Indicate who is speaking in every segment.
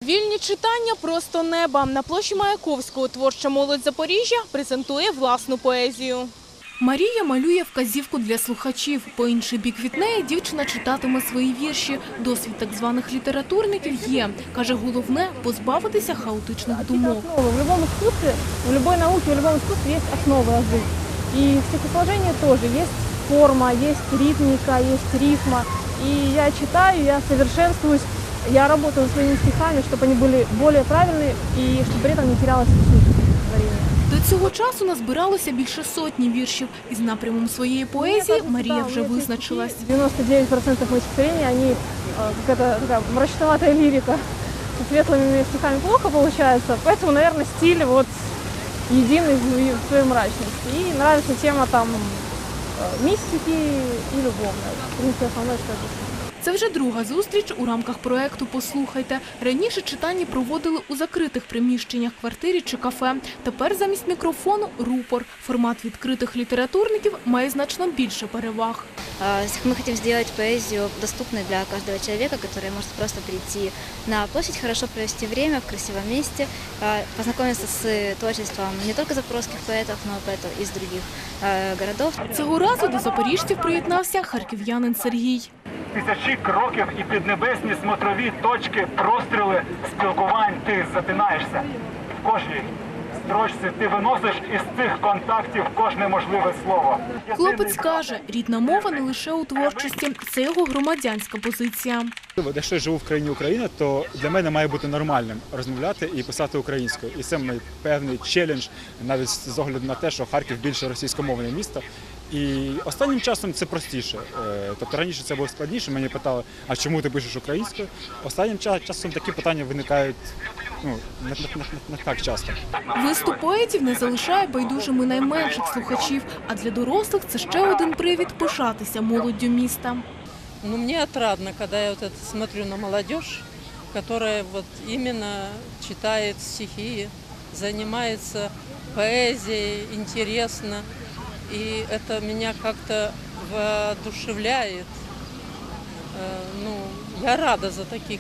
Speaker 1: Вільні читання – просто неба. На площі Маяковського творча молодь Запоріжжя презентує власну поезію. Марія малює вказівку для слухачів. По інший бік від неї дівчина читатиме свої вірші. Досвід так званих літературників є. Каже, головне – позбавитися хаотичних думок.
Speaker 2: В будь-якому искусстве, в любой науке, в любом искусстве есть основы язык. И в стихосложении тоже есть форма, есть ритмика, есть рифма. И я читаю, я совершенствуюсь, я работаю над своими стихами, чтобы они были более правильные и чтобы при этом не терялась суть творения.
Speaker 1: До цього часу назбиралося більше сотні віршів. Із напрямом своєї поезії Марія вже визначилась.
Speaker 2: 99% моих стихотворений, они какая-то такая мрачноватая лирика. Со светлыми стихами плохо получается, поэтому, наверное, стиль вот единый в своей мрачности. И нравится тема там мистики и любовная. В принципе, основное, что это.
Speaker 1: Це вже друга зустріч у рамках проєкту «Послухайте». Раніше читання проводили у закритих приміщеннях, квартирі чи кафе. Тепер замість мікрофону – рупор. Формат відкритих літературників має значно більше переваг.
Speaker 3: Мы хотим сделать поэзию доступной для каждого человека, который может просто прийти на площадь, хорошо провести время в красивом месте, познакомиться с творчеством не только запорожских поэтов, но и поэтов из других городов.
Speaker 1: Цього разу до запоріжців приєднався харків'янин Сергій.
Speaker 4: Тисячі кроків і піднебесні смотрові точки, простріли спілкувань, ти затинаєшся. В кожній строчці ти виносиш із цих контактів кожне можливе слово.
Speaker 1: Хлопець каже, рідна мова не лише у творчості, це його громадянська позиція.
Speaker 5: Якщо я живу в країні Україна, то для мене має бути нормальним розмовляти і писати українською. І це мій певний челендж, навіть з огляду на те, що Харків більше російськомовне місто. І останнім часом це простіше. Тобто раніше це було складніше, мені питали, а чому ти пишеш українською? Останнім часом такі питання виникають не так часто.
Speaker 1: Виступ поетів не залишає байдужими найменших слухачів, а для дорослих це ще один привід пишатися молоддю міста.
Speaker 6: Ну, мне отрадно, когда я вот это смотрю на молодежь, которая вот именно читает стихи, занимается поэзией, интересно. И это меня как-то воодушевляет. Ну, я рада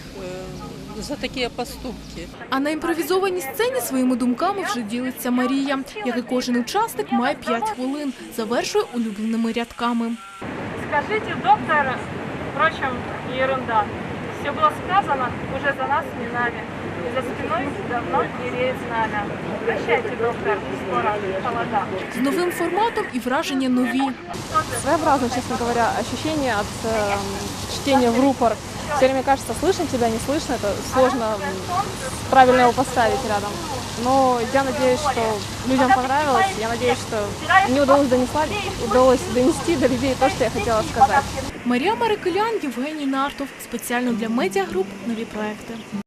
Speaker 6: за такі поступки.
Speaker 1: А на імпровізованій сцені своїми думками вже ділиться Марія. Як і кожен учасник, має 5 хвилин. Завершує улюбленими рядками.
Speaker 2: Скажите, доктор, впрочем, ерунда. Все было сказано уже за нас не нами. И за спиной давно не реет знамя. Прощайте, доктор, скоро холода.
Speaker 1: З новим форматом і враження нові.
Speaker 2: Своеобразно, честно говоря, ощущение от чтения в рупор. Все время кажется, слышно тебя, не слышно, это сложно правильно его поставить рядом. Но я надеюсь, что людям понравилось, я надеюсь, что мне удалось донести до людей то, что я хотела сказать.
Speaker 1: Марія Марикелян, Євгеній Нартов. Спеціально для медіагруп «Нові проекти».